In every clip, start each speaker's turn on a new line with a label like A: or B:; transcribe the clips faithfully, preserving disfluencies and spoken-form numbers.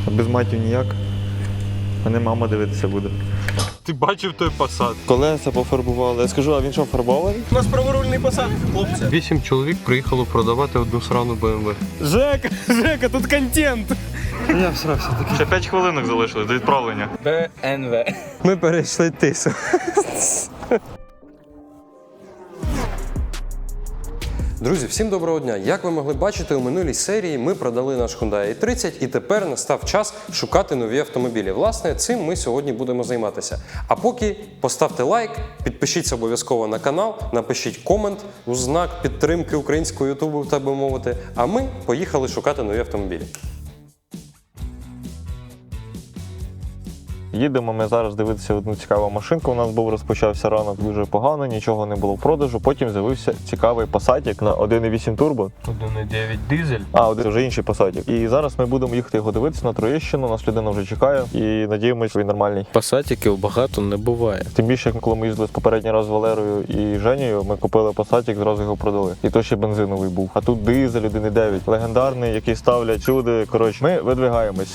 A: А без матів ніяк. Мене мама дивитися буде.
B: Ти бачив той посад?
A: Колеса пофарбували. Я скажу, а він що, фарбований?
C: У нас праворульний посад, хлопці.
B: Вісім чоловік приїхало продавати одну срану Б М В.
C: Жека, Жека, тут контент.
B: Я всрався такий.
A: Ще п'ять хвилинок залишилось до відправлення.
D: Б Н В.
C: Ми перейшли тису.
E: Друзі, всім доброго дня! Як ви могли бачити, у минулій серії ми продали наш Hyundai ай тридцять і тепер настав час шукати нові автомобілі. Власне, цим ми сьогодні будемо займатися. А поки поставте лайк, підпишіться обов'язково на канал, напишіть комент у знак підтримки українського ютубу, так би мовити, а ми поїхали шукати нові автомобілі.
A: Їдемо ми зараз дивитися одну цікаву машинку. У нас був розпочався ранок дуже погано, нічого не було в продажу. Потім з'явився цікавий Passatик на один і вісім турбо.
B: один і дев'ять дизель.
A: А, один вже інший Passatик. І зараз ми будемо їхати його дивитися на Троєщину. Нас людина вже чекає і надіємося, він нормальний.
B: Пасатиків багато не буває.
A: Тим більше, коли ми їздили попередній раз з Валерою і Женєю, ми купили Passatик, зразу його продали. І то ще бензиновий був. А тут дизель один і дев'ять, легендарний, який ставлять сюди. Коротше, ми видвигаємось.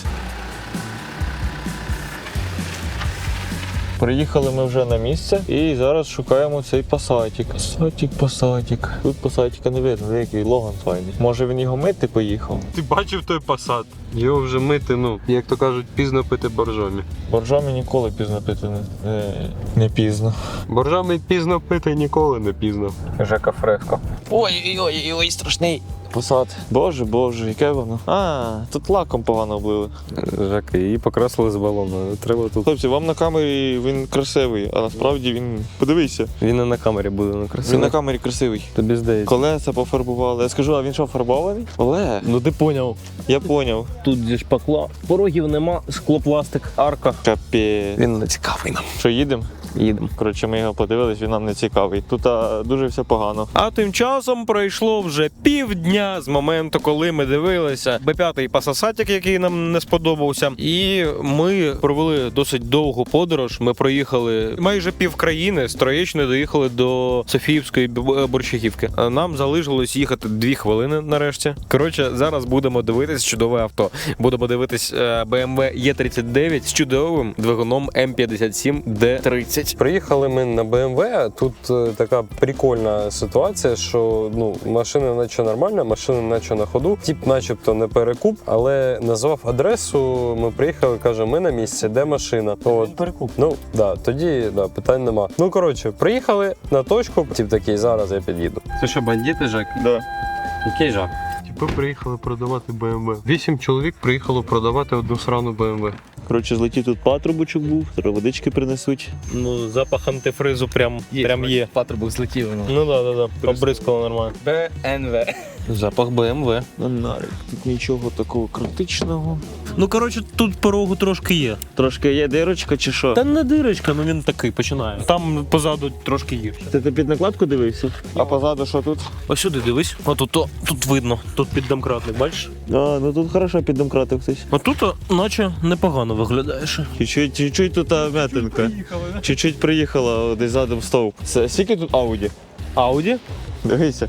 A: Приїхали ми вже на місце і зараз шукаємо цей Passatик. Passatик, Passatик. Тут Passatика не видно, який Логан файний. Може він його мити поїхав?
B: Ти бачив той посад? Його вже мити, ну, як то кажуть, пізно пити боржомі.
A: Боржомі ніколи пізно пити не, не, не пізно.
B: Боржомі пізно пити ніколи не пізно.
A: Жека Фреско.
D: Ой-ой-ой, страшний.
A: Посад. Боже, боже, яке воно. А, тут лаком погано облили.
B: Жака, її покрасили з балону. Треба тут.
A: Хлопці, вам на камері він красивий, а насправді він... Подивися.
B: Він не на камері буде, ну красиво.
A: Він на камері красивий.
B: Тобі здається.
A: Колеса пофарбували. Я скажу, а він що, фарбований? Олег,
C: Ну ти поняв.
A: я поняв.
C: Тут зі шпакла. Порогів нема, склопластик, арка.
A: Капець.
C: Він не цікавий нам.
A: Що, їдемо?
C: Їдемо.
A: Коротше, ми його подивились, він нам не цікавий. Тут а, дуже все погано.
C: А тим часом пройшло вже півдня з моменту, коли ми дивилися Б п'ять Passatик, який нам не сподобався. І ми провели досить довгу подорож. Ми проїхали майже пів країни, з Троєщини доїхали до Софіївської Борщагівки. Нам залишилось їхати дві хвилини нарешті. Коротше, зараз будемо дивитись чудове авто. Будемо дивитись Б М В Е тридцять дев'ять з чудовим двигуном М п'ятдесят сім Д тридцять.
E: Приїхали ми на Б М В, тут е, така прикольна ситуація, що ну, машина наче нормальна, машина наче на ходу, тип начебто не перекуп, але назвав адресу, ми приїхали, каже, ми на місці, де машина? От.
C: Перекуп.
E: Ну, да, тоді да, питань нема. Ну, коротше, приїхали на точку, тип такий, зараз я під'їду.
B: Це що, бандити, Жак?
A: Да.
B: Який Жак? Типи приїхали продавати Б М В. Вісім чоловік приїхало продавати одну срану Б М В.
A: Коротше, злетів тут патрубочок був, треба водички принесуть.
C: Ну, запах антифризу прям є. Прям є.
D: Патрубок злетів. Ну.
C: Ну да, да, да. Обризкало нормально.
D: Б Н В.
C: Запах Б М В.
A: На нарик. Тут нічого такого критичного.
C: Ну, коротше, тут порогу трошки є.
A: Трошки є дирочка чи що?
C: Та не дирочка, ну він такий починає. Там позаду трошки гірше.
A: Ти, ти під накладку дивився? А позаду що тут?
C: Ось сюди дивись. Отут, то, тут видно. Тут піддомкратник, бачиш?
A: А, ну тут хорошо піддомкратив хтось.
C: А тут, наче, непогано виглядаєш.
A: Чуть-чуть, чуть-чуть тут а, м'ятинка. Чуть-чуть приїхала десь задом стовп. Це скільки тут Ауді?
C: Ауді?
A: Дивися.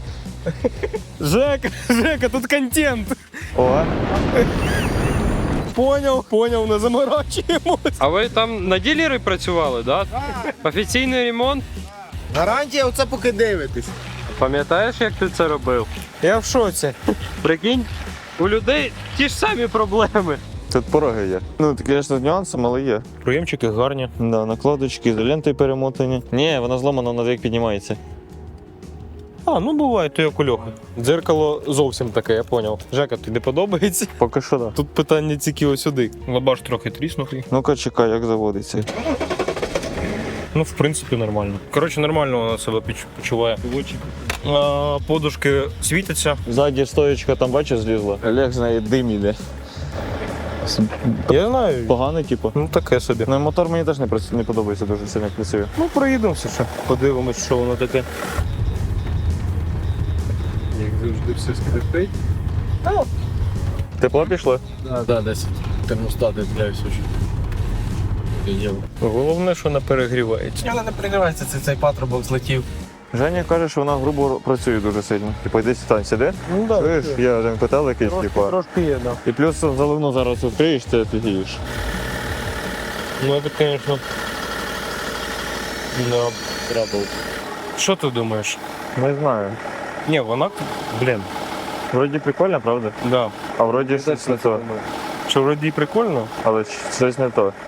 C: Жека, Жека, тут контент.
A: О,
C: Поняв, поняв, не заморачуємо.
B: А ви там на ділері працювали, да? Так? Офіційний ремонт?
F: Гарантія, оце поки дивитесь.
B: Пам'ятаєш, як ти це робив?
C: Я в шоці.
B: Прикинь, у людей ті ж самі проблеми.
A: тут пороги є. Ну, це, звісно, з нюансом, але є.
C: Проємчики гарні.
A: Да, накладочки, ізолентою перемотані. Ні, вона зломана, вона як піднімається.
C: А, ну буває, то як у Льохи. Дзеркало зовсім таке, я поняв. Жека, тобі подобається?
A: Поки що, да.
C: Тут питання тільки ось сюди. Лабаш трохи тріснутий.
A: Ну-ка, чекай, як заводиться.
C: Ну, в принципі, нормально. Коротше, нормально вона себе поч- почуває. А, подушки світяться.
A: Ззаді стоєчка там, бачиш, злізла. Олег з неї дим іде.
C: Я знаю.
A: Поганий, типу.
C: Ну, таке собі.
A: Ну, і мотор мені теж не, працю- не подобається дуже сильно, як працює.
C: Ну, проїдемося ще. Подивимось, що воно таке.
B: Як завжди все скрипить.
A: Тепло пішло?
D: Да, да, десь термостати для всього.
C: Головне, що не перегрівається.
D: Але не перегрівається, це цей патрубок злетів.
A: Женя каже, що вона грубо працює дуже сильно. Типу, йди сюди, сиди.
C: Ну так,
A: Чуєш, є один котел якийсь,
C: трошки,
A: типу.
C: трошки є, да.
A: І плюс заливну зараз відкриєш, ти офігієш.
C: Ну це, звісно, да, трабл. Що ти думаєш?
A: Не знаю.
C: Ні, вона, блін,
A: Вроді прикольно, правда?
C: да.
A: А вроді щось не то.
C: Що вроді і прикольно?
A: Але щось не то.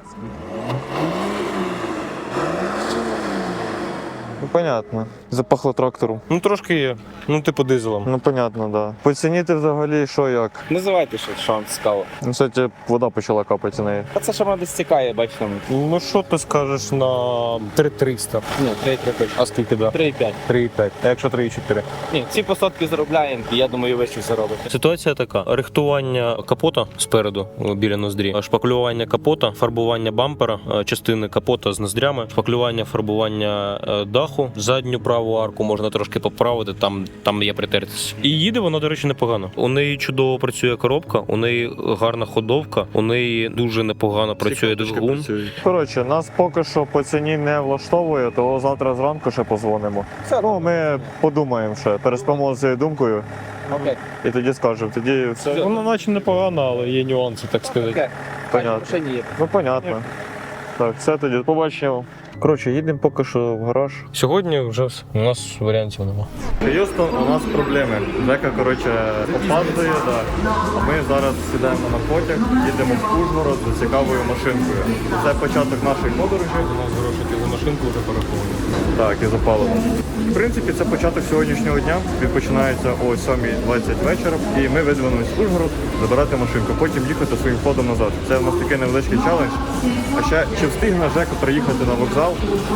A: Ну, понятно. Запахло трактором.
C: Ну трошки є. Ну, типу дизелом.
A: Ну, понятно, да. Поцінити взагалі, що як.
D: Називайте щось, що вам цікаво.
A: Ну, кстати, вода почала капати з неї.
D: А це що вона десь стікає, бачите.
C: Ну що ти скажеш на три триста?
D: Ні, три три точно.
C: А скільки да?
D: три п'ять.
C: три п'ять. А якщо три чотири?
D: Ні, ці посадки заробляємо, і я думаю, ви щось заробите.
C: Ситуація така: рихтування капота спереду о, біля ноздрі, шпаклювання капота, фарбування бампера, е, частини капота з ноздрями, шпаклювання, фарбування е, даху, задню праву арку можна трошки поправити, там, там є притертість. І їде вона, до речі, непогано. У неї чудово працює коробка, у неї гарна ходовка, у неї дуже непогано працює двигун.
A: Коротше, нас поки що по ціні не влаштовує, то завтра зранку ще позвонимо. Ну, ми подумаємо ще, переспимо з цією думкою
D: Окей.
A: і тоді скажемо. Тоді все
C: Воно наче непогано, але є нюанси, так сказати.
D: Окей.
A: понятно.
D: Машині є.
A: Ну, понятно. Так, все тоді побачимо. Коротше, їдемо поки що в гараж.
C: Сьогодні вже у нас варіантів немає.
A: Х'юстон, у нас проблеми. Жека, коротше, опаздує, да. А ми зараз сідаємо на потяг, їдемо в Ужгород за цікавою машинкою. Це початок нашої подорожі.
C: У нас грошики за машинку вже пораховані.
A: Так, і за паливо. В принципі, це початок сьогоднішнього дня. Він починається о сьомій двадцять вечора. І ми видвинулись в Ужгород забирати машинку, потім їхати своїм ходом назад. Це у нас такий невеличкий челендж. А ще чи встигне Жека приїхати на вокзал?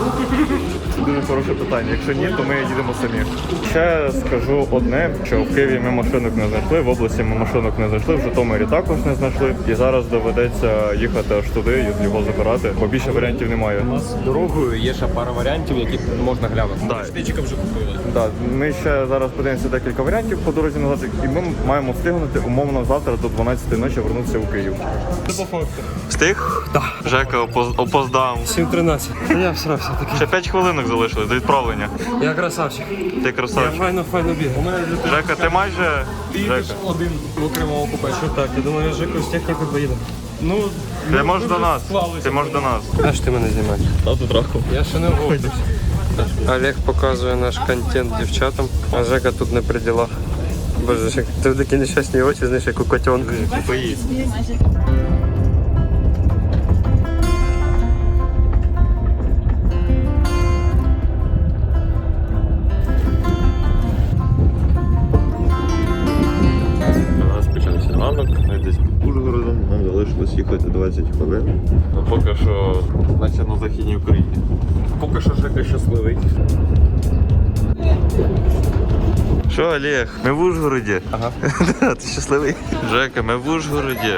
A: Це дуже хороше питання. Якщо ні, то ми їдемо самі. Ще скажу одне, що в Києві ми машинок не знайшли, в області ми машинок не знайшли, в Житомирі також не знайшли. І зараз доведеться їхати аж туди і його забирати, бо більше варіантів немає.
C: У нас дорогою є ще пара варіантів, які можна глянути.
A: Да.
C: Штичка вже купили.
A: Так, ми ще зараз подивимося декілька варіантів по дорозі назад, і ми маємо встигнути умовно завтра до дванадцятої ночі вернутися у Київ. Встиг? Так. Жека опоз- опоздав.
B: сім тринадцять. Я всрався таки.
A: Ще п'ять хвилинок залишилось до відправлення.
B: Я красавчик.
A: Ти красавчик.
B: Файно, файно біг. У мене
A: Жека, ти майже. Жека.
B: один в окремому купе. Що так? Я думаю, Жеку з технікою поїдемо. Ну,
A: Ти можеш до нас. Ти можеш до нас.
B: а ж ти мене знімаєш?
A: Тату траху.
B: Я ще не вгодився. Олег показує наш контент дівчатам, а Жека тут не при ділах. Боже, Жек, ти такі нещасні очі, знаєш, як у котенка.
A: Поїдь. У нас почався ранок, ми десь під Ужгородом, нам залишилось їхати двадцять хвилин. Ну, поки що, наче на Західній Україні.
C: Поки що Жека щасливий.
A: Що, Олег, ми в Ужгороді. Ага. Ти щасливий? Жека, ми в Ужгороді.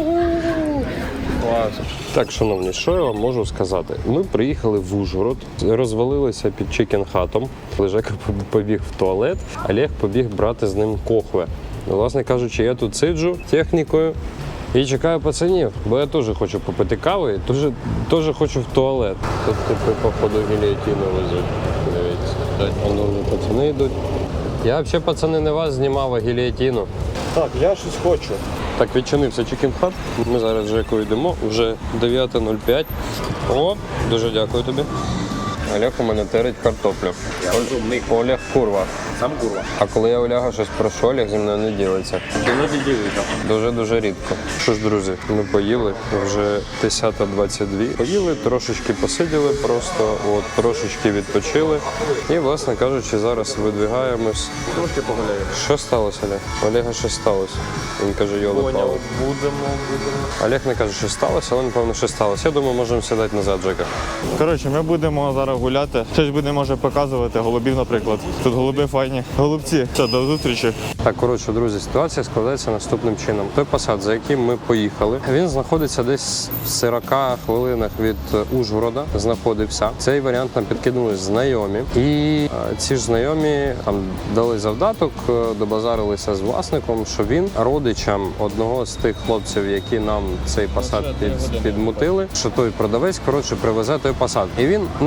B: Так, шановні, що я вам можу сказати? Ми приїхали в Ужгород, розвалилися під чикен-хатом. Жека побіг в туалет, Олег побіг брати з ним кохве. Власне кажучи, я тут сиджу технікою і чекаю пацанів, бо я теж хочу попити кави, і теж, теж хочу в туалет. Тут типу, походу, гільйотину везуть. Дивіться, воно вже пацани йдуть. Я взагалі, пацани, не вас знімав, а гільйотину.
A: Так, я щось хочу.
B: Так, відчинився чикен-хат. Ми зараз з Жекою йдемо, вже дев'ята нуль п'ять. О, дуже дякую тобі. Олег у мене терить картоплю. Я розумний. Олег курва.
C: Сам курва.
B: А коли я Оляга щось прошу, Олег зі мною не ділиться.
C: Іноді ділиться.
B: Дуже-дуже рідко. Що ж, друзі, ми поїли, вже десята двадцять два. Поїли, трошечки посиділи просто, от, трошечки відпочили. І, власне кажучи, зараз видвигаємось.
A: Трошки погуляємо.
B: Що сталося, Олег? Олега щось сталося. Він каже, йоли пали.
A: Будемо, будемо.
B: Олег не каже, що сталося, але напевно, що сталося. Я думаю, можемо сідати назад, Жека.
A: Коротше, ми будемо зараз гуляти. Щось будемо, може, показувати. Голубів, наприклад. Тут голуби файні. Голубці. Все, до зустрічі.
B: Так, коротше, друзі, ситуація складається наступним чином. Той посад, за яким ми поїхали, він знаходиться десь в сорока хвилинах від Ужгорода. Знаходився. Цей варіант нам підкинули знайомі. І е, ці ж знайомі там дали завдаток, е, добазарилися з власником, що він родичам одного з тих хлопців, які нам цей посад під, підмутили, що той продавець, коротше, привезе той посад. І він, наче його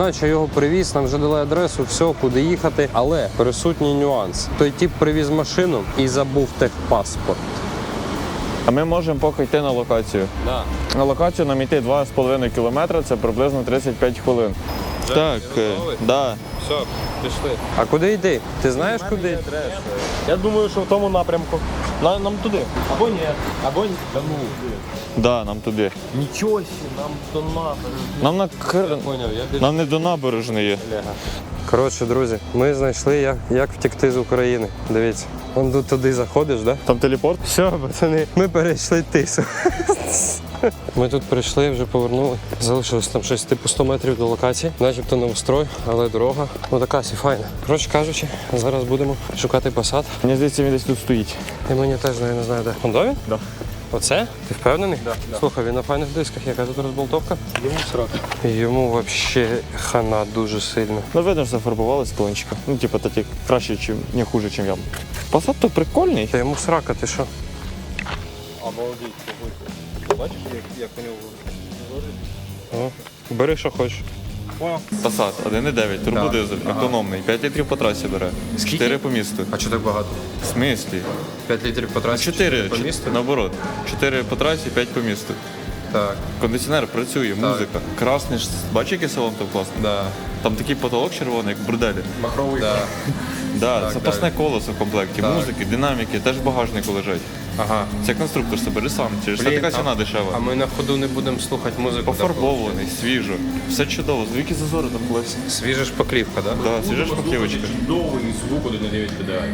E: його привіз, нам вже дали адресу, все, куди їхати. Але присутній нюанс. Той тип привіз машину і забув техпаспорт.
A: А ми можемо поки йти на локацію.
E: Да.
A: На локацію нам йти два з половиною кілометри, це приблизно тридцять п'ять хвилин. Так, да.
E: Все, пішли. А куди йти? Ти знаєш куди?
C: Я думаю, що в тому напрямку. На- Нам туди. Або ні. Або ні. Та ну.
A: Да, нам туди.
C: Нічого сі, нам до набережної.
A: Нам на Кр...
E: Поняв, я
A: Нам не до набережної.
E: Коротше, друзі, ми знайшли, як, як втекти з України. Дивіться. Вон тут туди заходиш, да?
A: Там телепорт?
E: Все, пацани, ми перейшли тису. Ми тут прийшли, вже повернули. Залишилось там щось типу сто метрів до локації. Начебто новострой, але дорога. Ну така сі файна. Коротше кажучи, зараз будемо шукати посад.
A: Мені здається, він десь тут стоїть.
E: І мені теж я не знаю де. Хондові?
A: Да.
E: Оце? Ти впевнений? Да, да. Слухай, він на файних дисках, яка тут розболтовка? Йому срок. Йому взагалі хана дуже сильно.
A: Ну видно, що зафарбували склончика. Ну, типу, такі краще, чим, не хуже, ніж я. Посад то прикольний.
E: Та йому срака, ти що?
C: Обалдеть, бачиш, як, як у нього
E: О, бери, що хочеш.
A: Посад один і дев'ять, турбодизель, автономний, п'ять літрів по трасі бере. чотири по місту.
E: А чого так багато?
A: В смислі?
E: п'ять літрів по трасі?
A: чотири
E: по місту?
A: наоборот. чотири по трасі, п'ять по місту.
E: Так.
A: Кондиціонер працює, музика. Красний, ж- бачиш, який салон там класний?
E: Да.
A: Там такий потолок червоний, як в борделі.
E: Махровий. Да.
A: Да, запасне колесо в комплекті, музики, динаміки, теж в багажнику лежать.
E: Ага.
A: Це конструктор себе бери сам, через це
E: Блін,
A: така ціна
E: а-
A: дешева.
E: А ми на ходу не будемо слухати музику.
A: Пофарбований, свіжо. Все чудово, звідки зазори там колесі.
E: Свіжа шпаклівка, так? Да?
A: Да, свіжа шпаклівочка.
C: чудовий звук один на дев'ять педалей.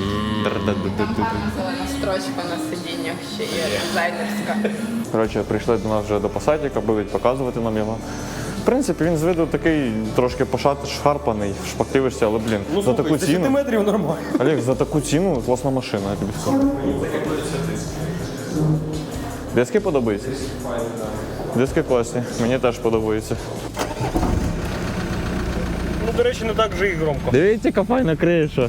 G: Зелена строчка на сидіннях ще є дизайнерська.
A: Коротше, прийшли до нас вже до посадника, будуть показувати нам його. В принципі, він з виду такий трошки пошат, шарпаний в шпаклівочці, але, блін, за таку ціну.
C: метрів нормально.
A: Олег, за таку ціну класна машина, я тобі скажу. Диски подобаються? Диски класні, мені теж подобаються.
C: Ну, до речі, не так вже і громко.
A: Дивіться, яка файна криша.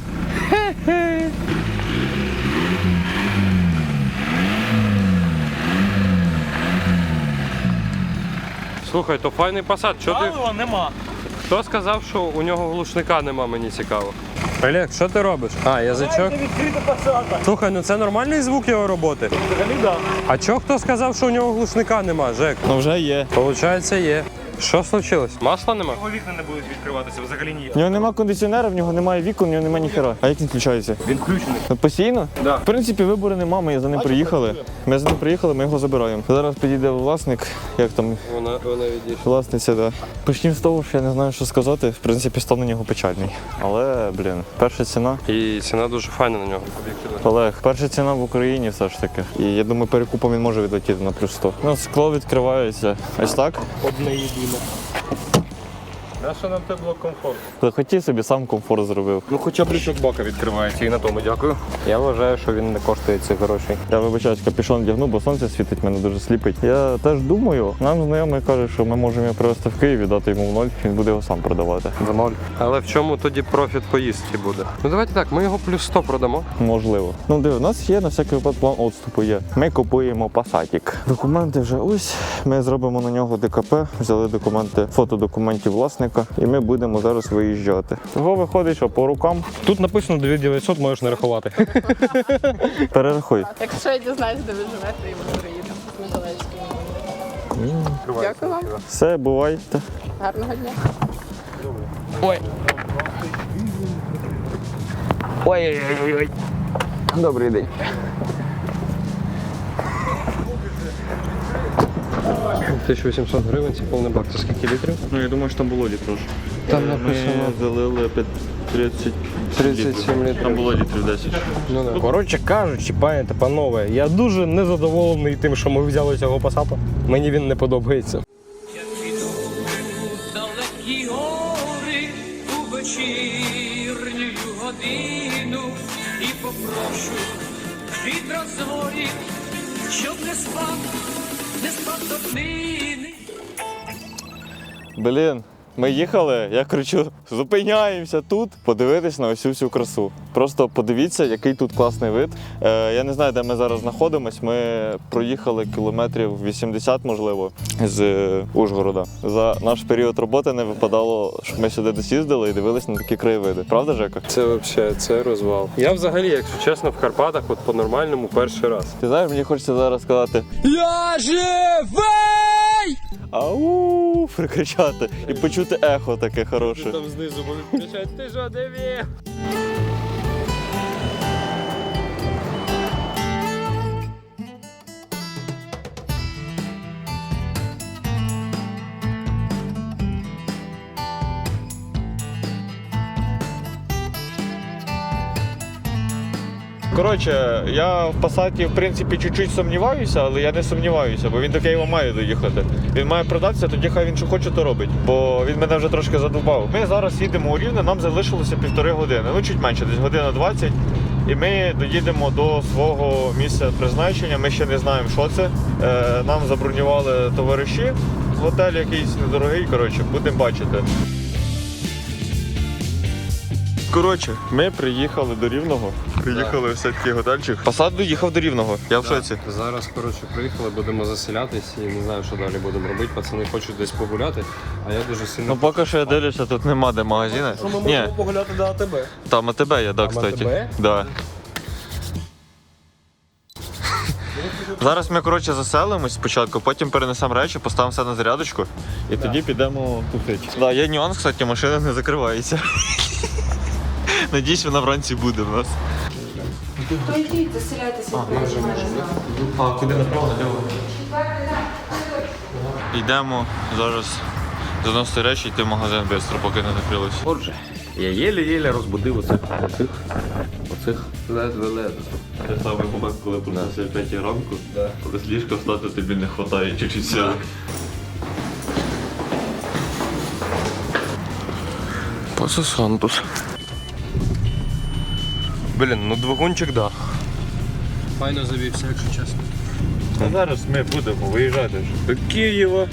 E: Слухай, то файний посад. Що ти...
C: Палива нема.
E: Хто сказав, що у нього глушника нема, мені цікаво. Олег, що ти робиш? А, язичок?
C: Відкрита посадка.
E: Слухай, ну це нормальний звук його роботи.
C: Взагалі, да.
E: А чого хто сказав, що у нього глушника нема, Жек?
A: Ну вже є.
E: Получається, є. Що случилось? Масла нема?
C: Його вікна не будуть відкриватися, взагалі ні.
A: В нього нема кондиціонера, в нього немає вікон, в нього немає ніхера. А як він включається?
C: Він включений.
A: Постійно?
C: Да.
A: В принципі, вибору нема, ми за ним приїхали. Ми за ним приїхали, ми його забираємо. Зараз підійде власник, як там,
E: Вона, вона відійшла.
A: власниця, да. Почнемо з того, що я не знаю, що сказати. В принципі, стан на нього печальний. Але, блін, перша ціна.
E: І ціна дуже файна на нього.
A: Олег, перша ціна в Україні все ж таки. І я думаю, перекупом він може відлетіти на плюс сто. Ну, скло відкривається. Ось так.
C: Одне єдине.
E: А що нам те було комфортно?
A: Захотів собі, сам комфорт зробив.
C: Ну хоча б лючок бака відкривається і на тому дякую.
E: Я вважаю, що він не коштує цих грошей.
A: Я вибачаюсь, капюшон вдягну, бо сонце світить, мене дуже сліпить. Я теж думаю, нам знайомий каже, що ми можемо його привезти в Київ і дати йому в ноль, він буде його сам продавати.
E: В ноль. Але в чому тоді профіт поїздки буде? Ну давайте так, ми його плюс сто продамо.
A: Можливо. Ну диви, у нас є на всякий випадок план відступу є. Ми купуємо пасатік. Документи вже ось. Ми зробимо на нього ДКП, взяли документи, фото документів власника, і ми будемо зараз виїжджати. Того виходить, що по рукам
C: Тут написано дві тисячі дев'ятсот, можеш не рахувати.
A: перерахуй.
G: Якщо я дізнаюсь, де ви живете, і ми приїдемо з Миколаївської. Дякую вам.
A: Все, бувайте.
G: Гарного дня.
C: Ой. Ой-ой-ой. Добрий день.
E: тисяча вісімсот гривень, це повний бак. Це скільки літрів?
A: Ну я думаю, що там було літрів.
E: Там написано
A: Ми залили тридцять
E: тридцять сім літрів.
A: Там було літрів десять.
E: Ну да.
C: Коротше кажучи, пані та панове, я дуже незадоволений тим, що ми взяли цього пасата. Мені він не подобається.
H: Далекі гори у вечірню годину і попрошу від розгорів, щоб не спав, не спав до днини.
A: Блін, Ми їхали, я кричу, зупиняємося тут, подивитись на ось цю всю красу. Просто подивіться, який тут класний вид. Е, я не знаю, де ми зараз знаходимось. Ми проїхали кілометрів вісімдесят, можливо, з е, Ужгорода. За наш період роботи не випадало, щоб ми сюди десь їздили і дивились на такі краєвиди. Правда, Жека?
B: Це взагалі, це розвал. Я взагалі, якщо чесно, в Карпатах от по-нормальному перший раз.
A: Ти знаєш, мені хочеться зараз сказати
H: Я живий!
A: ау, прикричати і почути ехо таке хороше.
C: Там знизу будуть кричати, ти що, диві?
A: Коротше, я в Пасаті, в принципі, чуть-чуть сумніваюся, але я не сумніваюся, бо він до Києва має доїхати. Він має продатися, тоді хай він що хоче, то робить. Бо він мене вже трошки задовбав. Ми зараз їдемо у Рівне, нам залишилося півтори години. Ну, чуть менше, десь година двадцять. І ми доїдемо до свого місця призначення. Ми ще не знаємо, що це. Е, нам забронювали товариші. Готель якийсь недорогий, коротше, будемо бачити. Коротше, ми приїхали до Рівного. Приїхали в такий готельчик. Пасат доїхав до Рівного. Я в шоці.
B: Зараз, коротше, приїхали, будемо заселятись і не знаю, що далі будемо робити. Пацани хочуть десь погуляти, а я дуже сильно...
A: Ну поки що я дивлюся, тут нема де магазини.
C: Що ми
A: Ні,
C: можемо погуляти до АТБ?
A: там АТБ є, да,
B: Там
A: кстати.
B: АТБ?
A: Да. Зараз ми, коротше, заселимось спочатку, потім перенесемо речі, поставимо все на зарядочку і тоді підемо тусити. Да, є нюанс, кстати, машина не закривається. Надіюсь, вона вранці буде в нас.
G: То йдіть, заселяйтеся.
A: А куди направо, наліво? Йдемо зараз заносити речі, йти в магазин швидко, поки не накрилось.
D: Отже, я єлі-єлі розбудив оцих, оцих, оцих ледве-ледве.
A: Те саме момент, коли проснувся о п'ятій ранку, коли з ліжка встати тобі не вистачає чуть-чуть сили. Пасасантус.
C: Блін, ну двигунчик, да.
B: Файно завівся, якщо чесно.
A: А зараз ми будемо виїжджати вже до Києва.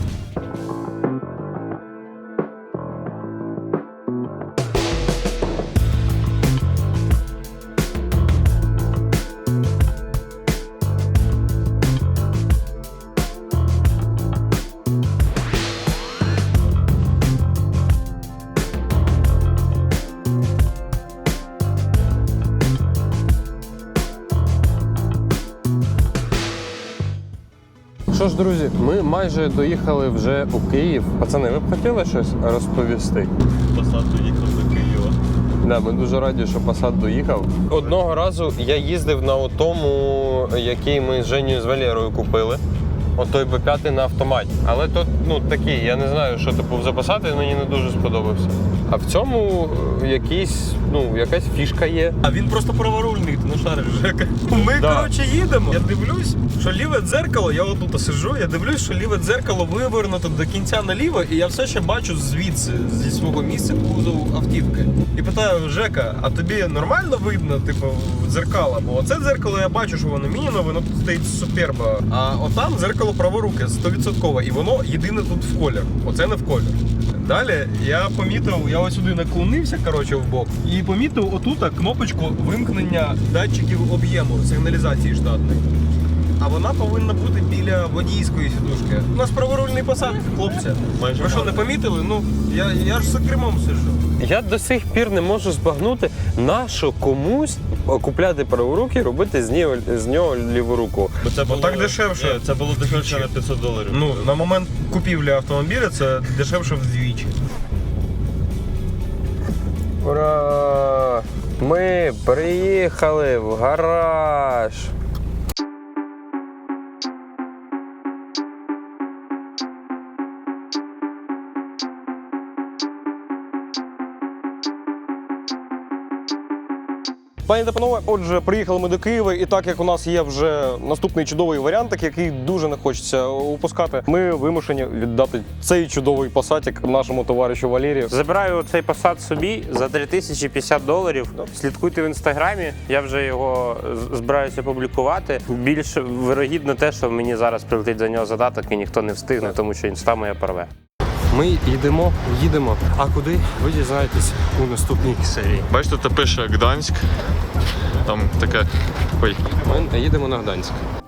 B: Що ж, друзі, ми майже доїхали вже у Київ. Пацани, ви б хотіли щось розповісти?
A: Пасат доїхав до Києва.
B: Да, ми дуже раді, що Passat доїхав. Одного разу я їздив на тому, який ми з Женєю з Валерою купили. От той бе п'ять на автоматі. Але тут, ну, такий, я не знаю, що типу за Passat, він мені не дуже сподобався. А в цьому е, якийсь, ну, якась фішка є.
C: А він просто праворульний, ти не шариш, Жека. Ми,
B: Да.
C: коротше, їдемо. Я дивлюсь, що ліве дзеркало, я отут сиджу, я дивлюсь, що ліве дзеркало вивернуто до кінця наліво, і я все ще бачу звідси, зі свого місця кузов автівки. І питаю, Жека, а тобі нормально видно, типу, дзеркало? Бо оце дзеркало я бачу, що воно мініно, воно тут стоїть суперба. А отам дзеркало праворуке, сто відсотків, і воно єдине тут в колір. Оце не в колір. Далі я помітив, я ось сюди наклонився, коротше, в бок, і помітив отут кнопочку вимкнення датчиків об'єму сигналізації штатної. А вона повинна бути біля водійської сідушки. У нас праворульний Passat, хлопці. Ви що, не помітили? Ну, я, я ж за кермом сиджу.
B: Я до сих пір не можу збагнути, на що комусь купляти праворуки і робити з нього, з нього ліворуку.
A: Бо це було
C: так дешевше.
A: Ні, це було дешевше на п'ятсот доларів.
C: Ну, на момент купівлі автомобіля це дешевше вдвічі.
B: Ура! Ми приїхали в гараж.
C: Пані та панове, отже, приїхали ми до Києва, і так як у нас є вже наступний чудовий варіант, який дуже не хочеться упускати, ми вимушені віддати цей чудовий пасатик нашому товаришу Валерію.
I: Забираю цей Passat собі за три тисячі п'ятдесят доларів. Слідкуйте в інстаграмі, я вже його з- збираюся публікувати. Більш вирогідно те, що мені зараз прилетить за нього задаток і ніхто не встигне, тому що інста моя порве.
E: Ми йдемо, їдемо. А куди? Ви дізнаєтесь у наступній серії.
A: Бачите, це пише Гданськ. Там таке. Ой.
E: Ми їдемо на Гданськ.